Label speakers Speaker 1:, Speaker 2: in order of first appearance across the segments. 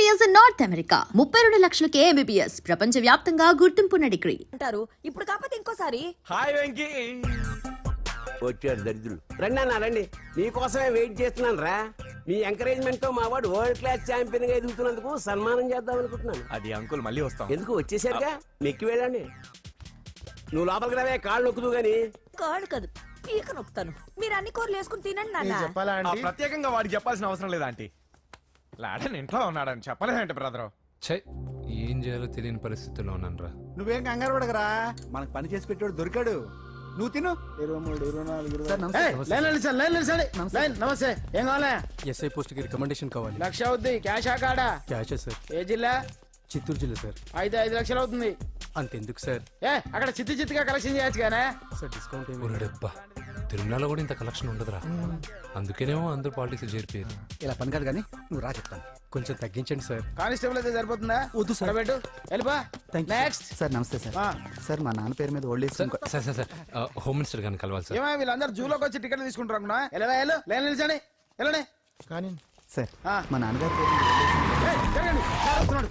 Speaker 1: MBBS in North America. 32 లక్షలకే MBBS. ప్రపంచవ్యాప్తంగా గుర్తింపున్న degree.
Speaker 2: అంటారు ఇప్పుడు కాకపోతే ఇంకోసారి.
Speaker 3: హాయ్ వెంకీ.
Speaker 4: వచ్చారు దరిద్రులు. రండి అన్న రండి, మీకోసమే వెయిట్ చేస్తున్నాను రా. మీ ఎంకరేజ్మెంట్ తో మా వాడు వరల్డ్ క్లాస్ ఛాంపియన్ గా ఎదుగుతున్నందుకు సన్మానం చేద్దాం అనుకుంటున్నాను.
Speaker 3: అది అంకుల్ మళ్ళీ వస్తాం.
Speaker 4: ఎందుకు వచ్చేసరిగా మెక్కి వెళ్ళండి. నువ్వు లోపలికి రావే, కాళ్ళు నొక్కుదు గాని.
Speaker 2: కాళ్ళు కాదు పీక నొక్కుతాను. మీరు అన్ని కూరలు వేసుకుని తినండి నాన్న.
Speaker 3: ప్రత్యేకంగా వాడికి చెప్పాల్సిన అవసరం లేదా ఆంటీ? లాడన్ ఇంట్లో ఉన్నాడని చెప్పలేదంటే బ్రదర్.
Speaker 5: ఛై, ఏం చేయాలో తెలియని పరిస్థితుల్లో ఉన్నానురా.
Speaker 6: నువ్వేం కంగారు పడకరా, మనకు పని చేసి పెట్టాడు దొరికాడు. నువ్వు తిను.
Speaker 7: 23, 24, నమస్తే. ఏం కావాలా?
Speaker 8: ఎస్ఐ పోస్ట్ కి రికమెండేషన్ కావాలి.
Speaker 7: 1 లక్ష అవుద్ది. క్యాష్ కాడా?
Speaker 8: Cash sir.
Speaker 7: ఏ జిల్లా?
Speaker 8: చిత్తూరు జిల్లా సార్.
Speaker 7: అయితే 5 లక్షలు అవుతుంది.
Speaker 8: అంతెందుకు సార్?
Speaker 7: అక్కడ చిత్తుగా కలెక్షన్ చేయొచ్చు కానీ
Speaker 8: సార్ డిస్కౌంట్ ఏమి?
Speaker 5: ఒరేడబ్బా, తిరుమలలో కూడా ఇంత కలెక్షన్ ఉండదురా. అందుకేనేమో అందరూ పాలిటిక్స్ చేరిపోయారు.
Speaker 6: ఇలా పని కాదు కానీ నువ్వు రా చెప్తాను.
Speaker 8: కొంచెం తగ్గించండి సార్.
Speaker 7: కానిస్టేబుల్ అయితే సరిపోతుందా?
Speaker 6: వద్దు సార్.
Speaker 7: పెట్టు వెళ్ళిపా. నెక్స్ట్.
Speaker 6: సార్ నమస్తే సార్. సార్ మా నాన్న పేరు మీద old age
Speaker 5: sir sir sir sir home minister గారిని కలవాలి సార్.
Speaker 7: ఏమో వీళ్ళందరూ జూలోకి వచ్చి టికెట్ తీసుకుంటారు అనుకున్నా. లైన్ నిలిచండి. వెళ్ళండి.
Speaker 6: కానీ సార్
Speaker 7: ఆ.
Speaker 6: మా నాన్నగారి పేరు మీద old age
Speaker 7: జరగండి. సార్ వస్తున్నాడు.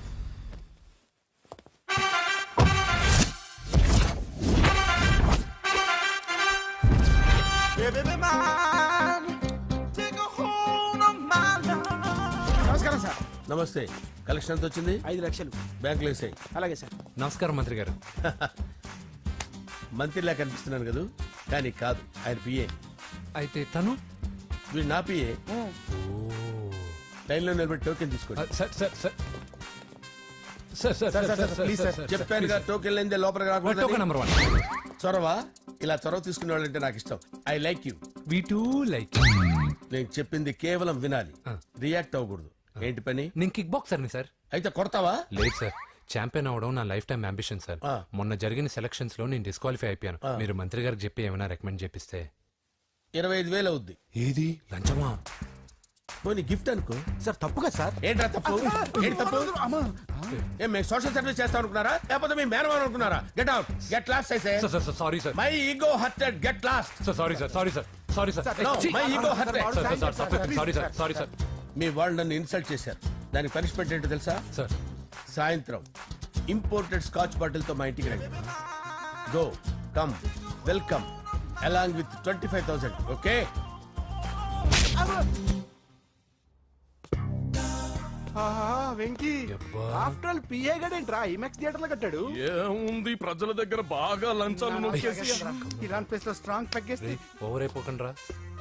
Speaker 7: నమస్కారం సార్.
Speaker 4: నమస్తే. కలెక్షన్ ఎంత వచ్చింది?
Speaker 7: 5 లక్షలు.
Speaker 4: బ్యాంకులో వేసాయి.
Speaker 7: అలాగే సార్.
Speaker 5: నమస్కారం మంత్రి గారు.
Speaker 4: మంత్రిలా కనిపిస్తున్నాను కదా, కానీ కాదు, ఆయన పిఏ.
Speaker 5: అయితే తను
Speaker 4: వీడు నా పిఏ. లైన్లో నిలబెట్టి టోకెన్ తీసుకోండి.
Speaker 5: Sir sir sir sir sir sir
Speaker 6: please, sir.
Speaker 4: చెప్పాను కదా, టోకెన్ లేనిదే లోపలికి
Speaker 5: టోకెన్
Speaker 4: రాకూడదు.
Speaker 5: నెంబర్ 1.
Speaker 4: చొరవ, ఇలా చొరవ తీసుకునే వాళ్ళంటే నాకు ఇష్టం. I like you.
Speaker 5: We too like.
Speaker 4: నేను చెప్పింది కేవలం వినాలి,
Speaker 5: ఆ.
Speaker 4: రియాక్ట్ అవ్వకూడదు. ఏంటి పని?
Speaker 5: నేను కిక్ బాక్సర్ని సార్.
Speaker 4: అయితే కొడతావా?
Speaker 5: లేదు సార్, ఛాంపియన్ అవడం నా లైఫ్ టైం అంబిషన్ సార్.
Speaker 4: ఆ.
Speaker 5: మొన్న జరిగిన సెలక్షన్స్ లో నేను డిస్క్వాలిఫై అయిపోయాను. మీరు మంత్రి గారికి చెప్పి ఏమైనా రికమెండ్ చేపిస్తే.
Speaker 4: 25,000 అవుద్ది.
Speaker 5: ఏది లంచమా?
Speaker 4: పోనీ గిఫ్ట్ అనుకో.
Speaker 6: సార్ తప్పుగా సార్.
Speaker 4: ఏంట్రా తప్పు? ఏంటి తప్పు? ఏం మేము సోషల్ సర్వీస్ చేస్తాం అనుకున్నారా, లేకపోతే మీ మేనమాన్ అనుకున్నారా? Get out, get lost. అయితే
Speaker 5: sir sir sorry sir.
Speaker 4: My ego hurted, get lost.
Speaker 5: Sir sorry sir, sorry sir, sorry sir.
Speaker 4: No, my ego hurt.
Speaker 5: Sorry sir, sorry sir.
Speaker 4: మీ వాళ్ళు నన్ను ఇన్సల్ట్ చేశారు. దానికి పనిష్మెంట్ ఏంటో తెలుసా?
Speaker 5: సార్
Speaker 4: సాయంత్రం imported scotch bottle తో మా ఇంటికి రండి. Go come welcome along with 25,000. Okay?
Speaker 6: Venky
Speaker 5: యబ్బా.
Speaker 6: ఆఫ్టర్ ఆల్ పిఏ గడేంట్రా ఇమెక్స్ థియేటర్ లో కట్టాడు.
Speaker 3: ఏముంది, ప్రజల దగ్గర బాగా లంచాలు నొక్కేసి
Speaker 6: ఇరాన్ ప్లేస్ లో స్ట్రాంగ్ తగ్గేస్తే
Speaker 5: ఓవర్ అయిపోకండి రా.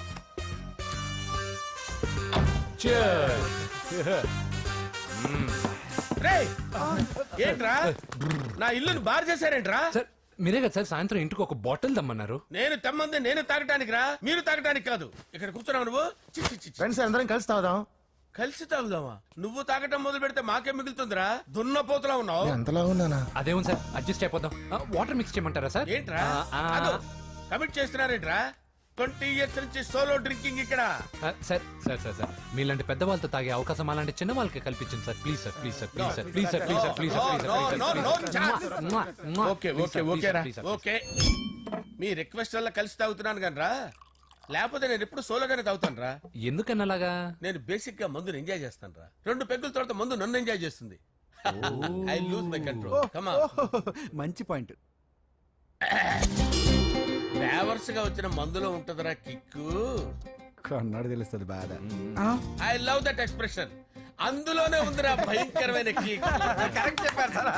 Speaker 4: రేయ్, ఏంట్రా నా ఇల్లుని బార్ చేశారేంట్రా?
Speaker 5: సార్ మీరే కదా సార్ సాయంత్రం ఇంటికి ఒక బాటిల్ దమ్మన్నారు.
Speaker 4: నేను తెమ్మంది నేను తాగటానికి రా, మీరు తాగటానికి కాదు. ఇక్కడ కూర్చున్నావు నువ్వు. చి, చి, చి, చి.
Speaker 6: ఫ్రెండ్స్ అందరం కలిసి తాగుదాం.
Speaker 4: కలిసి తాగుదామా? నువ్వు తాగటం మొదలు పెడితే మాకే మిగులుతుందిరా. దున్నపోతులా ఉన్నావు.
Speaker 6: ఎంతలా ఉన్నానా?
Speaker 5: అదేమో సార్ అడ్జస్ట్ అయిపోదాం. వాటర్ మిక్స్ చేయమంటారా సార్?
Speaker 4: ఏంట్రా కమిట్ చేస్తున్నారేంట్రా? 20 years నుంచి సోలో డ్రింకింగ్ ఇక్కడ.
Speaker 5: సార్ సార్ సార్ సార్ మీలాంటి పెద్ద వాళ్ళతో తాగే అవకాశం అలాంటి చిన్న వాళ్ళకి కల్పించండి sir. Please sir, please sir, please sir, please sir, please sir, please sir, please sir.
Speaker 4: Okay okay okay రా, ఓకే. మీ రిక్వెస్ట్ వల్ల కలిసి తాగుతున్నాను కానీ రా, లేకపోతే నేను ఎప్పుడు సోలోగానే తాగుతాను రా.
Speaker 5: ఎందుకన్నా అలాగా?
Speaker 4: నేను బేసిక్ గా మందుని ఎంజాయ్ చేస్తాను రా. 2 పెగ్గుల తర్వాత మందు నన్ను ఎంజాయ్ చేస్తుంది. I lose my control. Come on.
Speaker 6: మంచి పాయింట్.
Speaker 4: ఫ్లేవర్స్ గా వచ్చిన మందులో ఉంటదరా కిక్కు.
Speaker 6: కన్నాడు తెలుస్తుంది బాధ.
Speaker 4: I love that expression. అందులోనే ఉందిరా భయంకరమైన కిక్. కరెక్ట్ చెప్పారు సార్.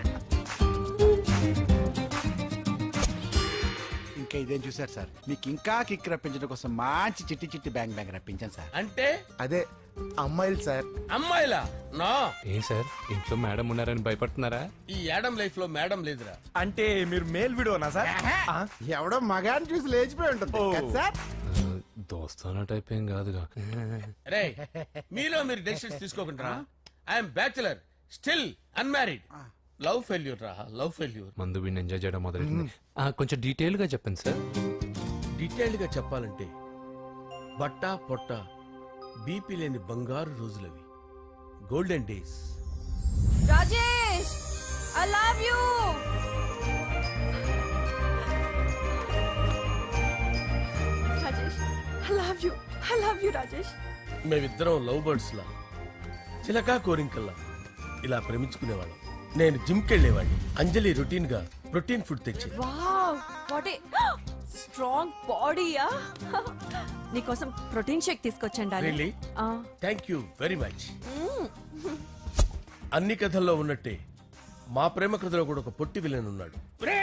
Speaker 6: ఇంకా ఇదేం చూసారు సార్, మీకు ఇంకా కిక్ రప్పించడం కోసం మంచి చిట్టి చిట్టి బ్యాంగ్ బ్యాంగ్ రప్పించాను సార్.
Speaker 4: అంటే
Speaker 6: అదే అమ్మాయిలు సార్.
Speaker 4: అమ్మాయిలా? నా
Speaker 5: ఏం సార్ ఇంట్లో మేడం ఉన్నారని భయపడుతున్నారా?
Speaker 4: ఈ యాడమ్ లైఫ్ లో మేడం లేదురా.
Speaker 3: అంటే మీరు మేల్ వీడియోనా సార్?
Speaker 6: ఎవడో మగాన్ని చూసి లేచిపోయి ఉంటుంది కదా సార్.
Speaker 5: దోస్తానా టైప్ ఏం కాదుగా.
Speaker 4: రే, మీలో మీరు డెసిషన్స్ తీసుకోకుండా. I'm bachelor, still unmarried. Love failure రా, లవ్ ఫెయిల్యూర్.
Speaker 5: మందు వీడిని ఎంజాయ్ చేయడం మొదలైంది. కొంచెం డీటెయిల్ గా చెప్పండి సార్.
Speaker 4: డీటెయిల్డ్ గా చెప్పాలంటే బట్టా పొట్ట బీపీ లేని బంగారు రోజులవి, golden days.
Speaker 2: Rajesh I love you. Rajesh I love you, I love you Rajesh.
Speaker 4: మేమిద్దరం లవ్ బర్డ్స్ లా, చిలకా కోరింకల్లా
Speaker 9: ఇలా ప్రేమించుకునేవాళ్ళం. నేను జిమ్కి వెళ్ళేవాడిని, అంజలి రొటీన్ గా ప్రోటీన్ ఫుడ్ తెచ్చి.
Speaker 2: వావ్ వాట్ ఏ స్ట్రాంగ్ బాడీయా. నీకోసం ప్రోటీన్ షేక్ తీసుకొచ్చండి
Speaker 9: Really? Thank you very much. అన్ని కథల్లో ఉన్నట్టే మా ప్రేమ కథలో కూడా ఒక పొట్టి విలన్ ఉన్నాడు.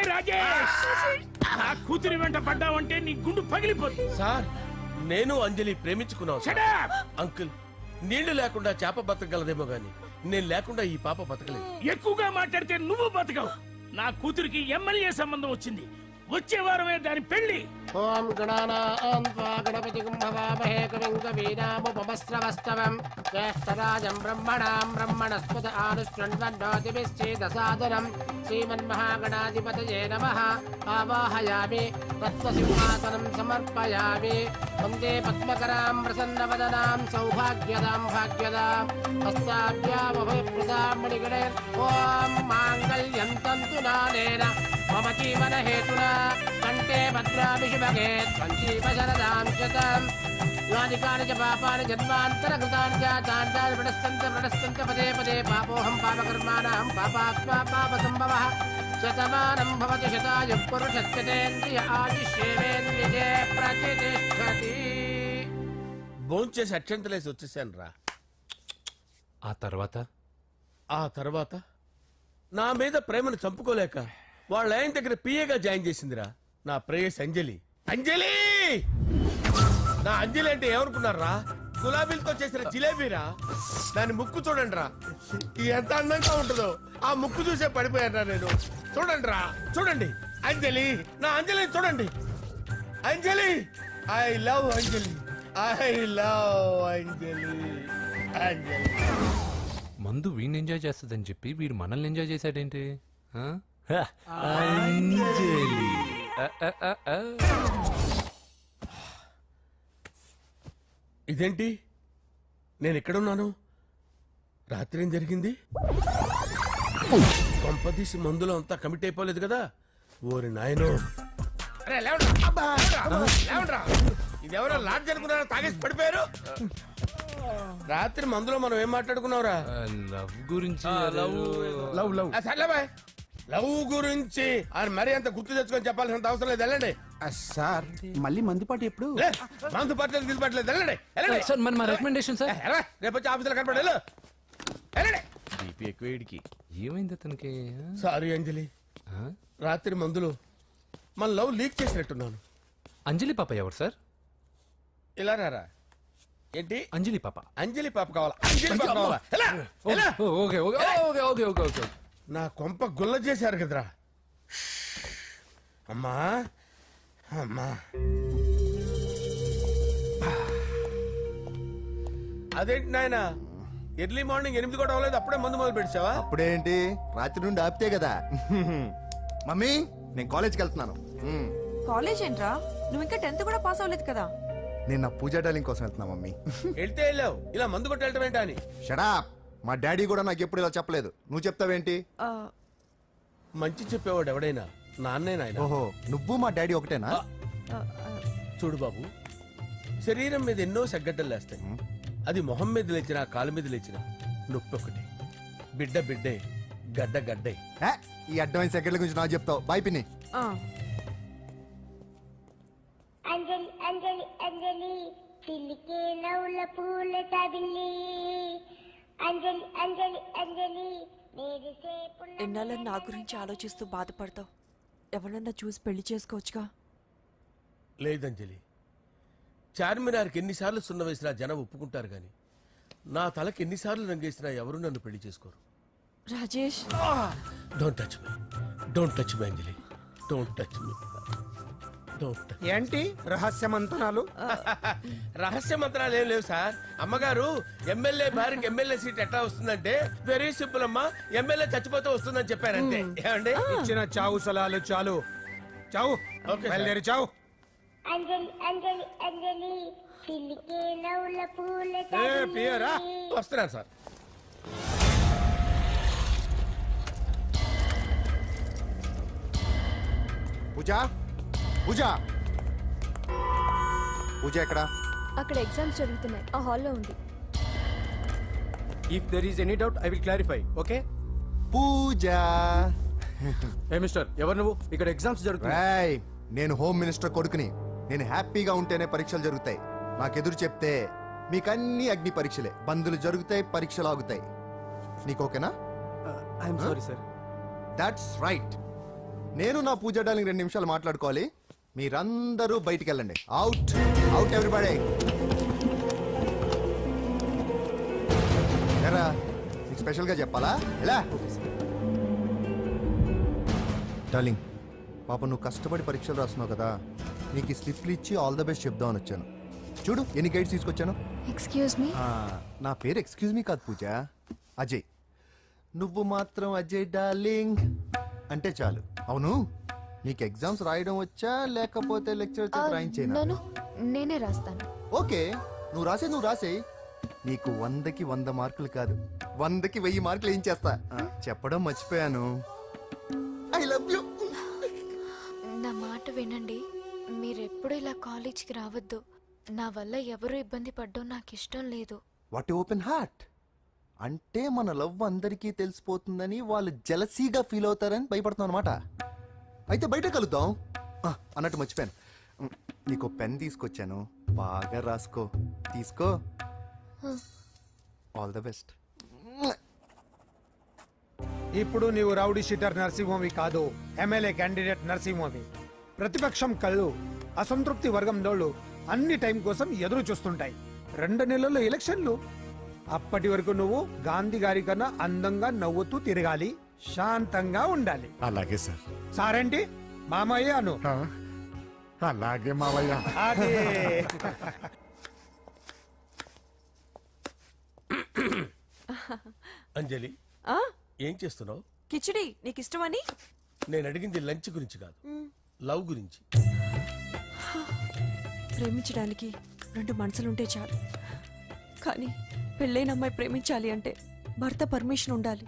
Speaker 10: కూతురి వెంట పడ్డావంటే నీ గుండు పగిలిపోతుంది.
Speaker 9: సార్ నేను అంజలి ప్రేమించుకున్నాను సార్. అంకుల్ నీళ్లు లేకుండా చేప బతకగలదేమో గాని నేను లేకుండా ఈ పాప బతకలేదు.
Speaker 10: ఎక్కువగా మాట్లాడితే నువ్వు బతకవు. నా కూతురికి ఎమ్మెల్యే సంబంధం వచ్చింది. వచ్చే వారమే దాని పెళ్లి.
Speaker 4: ఓం గణానాం త్వా గణపతిం భవామహే కవిం కవీనాముపమస్రవస్తవం జ్యేష్ఠరాజం బ్రహ్మణాం బ్రహ్మణస్పద ఆనుష్ణ్వన్నోతిభిశ్చేదసాదనం శ్రీమన్మహాగణాధిపతయే నమః. ఆవాహయామి తత్వసింహాసనం సమర్పయామి. వందే పద్మకరాం ప్రసన్నవదనాం సౌభాగ్యదాం భాగ్యదాం హస్తాభ్యామభయప్రదాం మణిగణైర్. ఓం మాంగళ్యం తంతు నానేన మమ జీవన హేతునా కంటే భద్రామి శుభగే సంజీవ శరదాం శతం. యాని కాని చ పాపాని జన్మాంతర కృతాని చ తాని ప్రణశ్యంత పదే పదే పాపోహం పాపకర్మాణం పాపాత్మా పాప సంభవః. శతమానం భవతి శతాయుః పురుషస్యతేంద్రియ ఆదిశ్యేవేంద్రియే ప్రతిష్టతి.
Speaker 9: భోంచేసి అక్షంతలేసి వచ్చేసాను రా.
Speaker 5: ఆ
Speaker 9: తర్వాత నా మీద ప్రేమను చంపుకోలేక వాళ్ళ ఆయన దగ్గర పిఏగా జాయిన్ చేసిందిరా నా ప్రేయస్ అంజలి. అంజలి నా అంజలి అంటే ఏమనుకున్నారా? గులాబీలతో చేసిన జిలేబీరా. దాని ముక్కు చూడండి రా, ఎంత అందంగా ఉంటుందో. ఆ ముక్కు చూసే పడిపోయారా నేను. చూడండి రా, చూడండి అంజలి, నా అంజలిని చూడండి. Anjali, I love Anjali, I love Anjali. Anjali
Speaker 5: మందు వీడిని ఎంజాయ్ చేస్తుందని చెప్పి వీడు మనల్ని ఎంజాయ్ చేశాడేంటి? ఆ? అంజలి.
Speaker 9: ఇదేంటి నేను ఎక్కడున్నాను? రాత్రి ఏం జరిగింది? కొంపదీసి మందులో అంతా కమిట్ అయిపోలేదు కదా? ఓరి నాయనో. ఇదెవరో లాడ్జ్ అనుకున్నారా? తాగేసి పడిపోయారు. రాత్రి మందులో మనం ఏం మాట్లాడుకున్నావురా?
Speaker 5: లవ్ గురించి.
Speaker 9: సర్లే బాయ్, లవ్ గురించి ఆయన మరీ అంత గుర్తు తెచ్చుకొని చెప్పాల్సినంత అవసరం లేదు. వెళ్ళండి
Speaker 6: సార్ మళ్ళీ మందుపాటి ఎప్పుడు?
Speaker 9: మందు పట్టలేదు గిల్లు పట్టలేదు. వెళ్ళండి వెళ్ళండి.
Speaker 5: సార్ మరి మా రికమెండేషన్ సార్.
Speaker 9: రేపు వచ్చి ఆఫీసులో కనపడి వెళ్ళండి. బీపీ ఎక్కువ వీడికి.
Speaker 5: ఏమైంది అతనికి?
Speaker 9: సారీ అంజలి, రాత్రి మందులో మన లవ్ లీక్ చేసినట్టున్నాను.
Speaker 5: అంజలి పాప ఎవరు సార్?
Speaker 9: ఇలా రారా. ఏంటి
Speaker 5: అంజలి పాప?
Speaker 9: అంజలి పాప కావాలా? అంజలి పాప కావాలా? ఎలా? ఎలా?
Speaker 5: Okay okay okay okay okay okay.
Speaker 9: నా కొంప గుల్ల చేశారు కదరా. అమ్మా అమ్మా, అదేంటి నాయన ఎర్లీ మార్నింగ్ 8 కూడా అవ్వలేదు, అప్పుడే మందు మొదలు పెడిచావా?
Speaker 11: అప్పుడేంటి, రాత్రి నుండి ఆపితే కదా. మమ్మీ నేను కాలేజ్కి వెళ్తున్నాను.
Speaker 2: కాలేజ్ ఏంట్రా, నువ్వు ఇంకా 10th కూడా పాస్ అవ్వలేదు కదా.
Speaker 11: నేను నా పూజా డాలింగ్ కోసం వెళ్తున్నా మమ్మీ.
Speaker 9: వెళ్తే వెళ్ళావు, ఇలా మందు కొట్టి వెళ్ళటం ఏంటా అని.
Speaker 11: షడా, మా డాడీ కూడా నాకు ఎప్పుడు ఇలా చెప్పలేదు. నువ్వు చెప్తావేంటి?
Speaker 9: మంచి చెప్పేవాడు ఎవడైనా నాన్నే నాయన.
Speaker 11: ఓహో, నువ్వు మా డాడీ ఒకటేనా?
Speaker 9: చూడు బాబు, శరీరం మీద ఎన్నో సగ్గడ్డలు లేస్తాయి. అది మొహం మీద లేచినా కాలు మీద లేచినా నొప్పి ఒకటి. బిడ్డ బిడ్డే, గడ్డ గడ్డే.
Speaker 11: ఈ అడ్వాన్స్ సెకండ్ల గురించి నాకు చెప్తావు. బాయ్ పిన్ని.
Speaker 12: అంజలి అంజలి అంజలి చిల్లికే నవ్వుల పూల తబిల్లి. అంజలి అంజలి అంజలి
Speaker 2: ఎన్నాళ్ళ నా గురించి ఆలోచిస్తూ బాధపడతావు. ఎవరన్నా చూసి పెళ్లి చేసుకోవచ్చుగా.
Speaker 9: లేదంజలి, చార్మినార్కి ఎన్నిసార్లు సున్న వేసినా జనం ఒప్పుకుంటారు గాని నా తలకి ఎన్నిసార్లు రంగేసినా ఎవరు నన్ను పెళ్లి చేసుకోరు.
Speaker 2: Rajesh,
Speaker 9: don't touch me, don't touch me Anjali, don't touch me.
Speaker 7: ఏంటి రహస్య మంతనాలు?
Speaker 9: రహస్య మంత్రాలు ఏం లేవు సార్. అమ్మగారు ఎమ్మెల్యే భార్యకి ఎమ్మెల్యే సీట్ ఎట్లా వస్తుందంటే వెరీ సింపుల్ అమ్మా, ఎమ్మెల్యే చచ్చిపోతే వస్తుందని చెప్పారంటే. ఏమండి,
Speaker 7: ఇచ్చిన చావు సలాలు చాలు. చావు, బయలుదేరి చావు.
Speaker 12: అంజలి అంజలి అంజలి చిల్లికే నవ్వుల పూల
Speaker 7: పియరా
Speaker 9: వస్తున్నాను సార్.
Speaker 11: పూజ పూజ పూజ ఎక్కడ?
Speaker 12: అక్కడ ఎగ్జామ్స్ జరుగుతున్నాయి, ఆ హాల్లో ఉంది.
Speaker 8: If there is any doubt I will clarify okay
Speaker 11: Pooja
Speaker 8: ఏ మిస్టర్ ఎవరు నువ్వు ఇక్కడ ఎగ్జామ్స్ జరుగుతున్నాయి
Speaker 11: రాయ్ నేను హోమ్ మినిస్టర్ కొడుకుని. నేను హ్యాపీగా ఉంటేనే పరీక్షలు జరుగుతాయి. నాకెదురు చెప్తే మీకన్నీ అగ్ని పరీక్షలే. బందులు జరుగుతాయి, పరీక్షలు ఆగుతాయి. నీకు ఓకేనా?
Speaker 8: I'm sorry sir.
Speaker 11: That's right. నేను నా పూజ డార్లింగ్ 2 నిమిషాలు మాట్లాడుకోవాలి. మీరందరూ బయటికి వెళ్ళండి. Out out everybody. ఎరా నీకు స్పెషల్గా చెప్పాలా? ఎలా డార్లింగ్, పాప నువ్వు కష్టపడి పరీక్షలు రాస్తున్నావు కదా, నీకు ఈ స్లిప్లు ఇచ్చి ఆల్ ద బెస్ట్ చెప్దామని వచ్చాను. చూడు ఎన్ని గైడ్స్ తీసుకొచ్చాను.
Speaker 12: Excuse me.
Speaker 11: నా పేరు ఎక్స్క్యూజ్ మీ కాదు పూజ, అజయ్. నువ్వు మాత్రం అజయ్ డార్లింగ్ అంటే చాలు. అవును, నీకు ఎగ్జామ్స్ రాయడం వచ్చా లేకపోతే లెక్చర్ రాయించేనా?
Speaker 12: నేనే రాస్తాను.
Speaker 11: ఓకే, నువ్వు రాసే. నీకు 100కి 100 మార్కులు కాదు, 100కి 1000 మార్కులు ఏం చేస్తా. చెప్పడం మర్చిపోయాను. I love you.
Speaker 12: నా మాట వినండి. మీరెప్పుడు ఇలా కాలేజ్కి రావద్దు. నా వల్ల ఎవరు ఇబ్బంది పడ్డం నాకు ఇష్టం లేదు.
Speaker 11: What open heart. అంటే మన లవ్ అందరికీ తెలిసిపోతుందని వాళ్ళు జలసీగా ఫీల్ అవుతారని భయపడుతున్నాం అనమాట. అయితే బయట కలుద్దాం. అన్నట్టు మర్చిపోయాను, నీకు పెన్ తీసుకొచ్చాను, బాగా రాసుకో. తీసుకో. All the best.
Speaker 7: ఇప్పుడు నీవు రౌడీ షీటర్ నరసింహవి కాదు, ఎమ్మెల్యే క్యాండిడేట్ నరసింహవి. ప్రతిపక్షం కళ్ళు అసంతృప్తి వర్గంలోళ్ళు అన్ని టైం కోసం ఎదురు చూస్తుంటాయి. 2 నెలల్లో ఎలక్షన్లు. అప్పటి వరకు నువ్వు గాంధీ గారి కన్నా అందంగా నవ్వుతూ తిరగాలి, శాంతంగా ఉండాలి.
Speaker 6: అలాగే సార్.
Speaker 7: సారేంటి మామయ్య అను.
Speaker 6: అలాగే మావయ్య.
Speaker 7: అదే.
Speaker 9: అంజలి ఏం చేస్తున్నావు?
Speaker 2: కిచిడి నీకు ఇష్టమని.
Speaker 9: నేను అడిగింది లంచ్ గురించి కాదు, లవ్ గురించి.
Speaker 2: ప్రేమించడానికి 2 మనసులుంటే చాలు, కానీ పెళ్ళైన అమ్మాయి ప్రేమించాలి అంటే భర్త పర్మిషన్ ఉండాలి.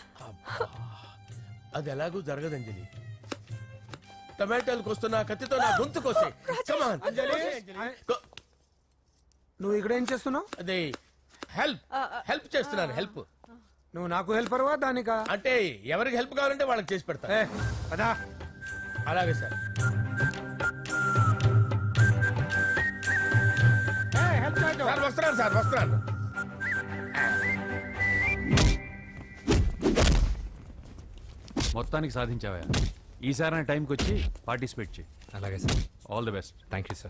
Speaker 9: అది ఎలాగూ జరగదు అంజలి. టమాటాలకు వస్తున్న కత్తితో నా గొంతు కోసే. Come on. Go.
Speaker 7: నువ్వు ఇక్కడ ఏం చేస్తున్నావు?
Speaker 9: అదే హెల్ప్ చేస్తున్నాను. హెల్ప్.
Speaker 7: నువ్వు నాకు హెల్పర్వా దానికా?
Speaker 9: అంటే ఎవరికి హెల్ప్ కావాలంటే వాళ్ళకి చేసి పెడతా.
Speaker 7: అదా.
Speaker 9: అలాగే సార్. సార్ వస్తున్నాను.
Speaker 5: మొత్తానికి సాధించావా? ఈసారి టైంకి వచ్చి పార్టిసిపేట్ చేయి. అలాగే sir. All the best. Thank you sir.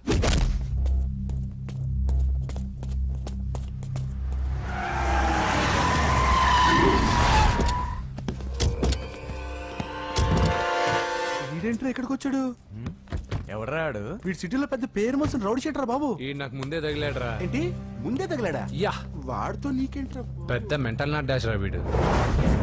Speaker 6: వీడేంట్రా ఇక్కడికి వచ్చాడు?
Speaker 3: ఎవడరాడు?
Speaker 6: వీడి సిటీలో పెద్ద పేరు మోసిన రౌడీ షీటర్ బాబు.
Speaker 5: ఈ నాకు ముందే తగిలాడరా.
Speaker 6: ఏంటి ముందే తగిలాడా?
Speaker 5: యా,
Speaker 6: వాడితో నీకేంట్రా?
Speaker 5: పెద్ద మెంటల్ నాట్ డాష్ రా వీడు.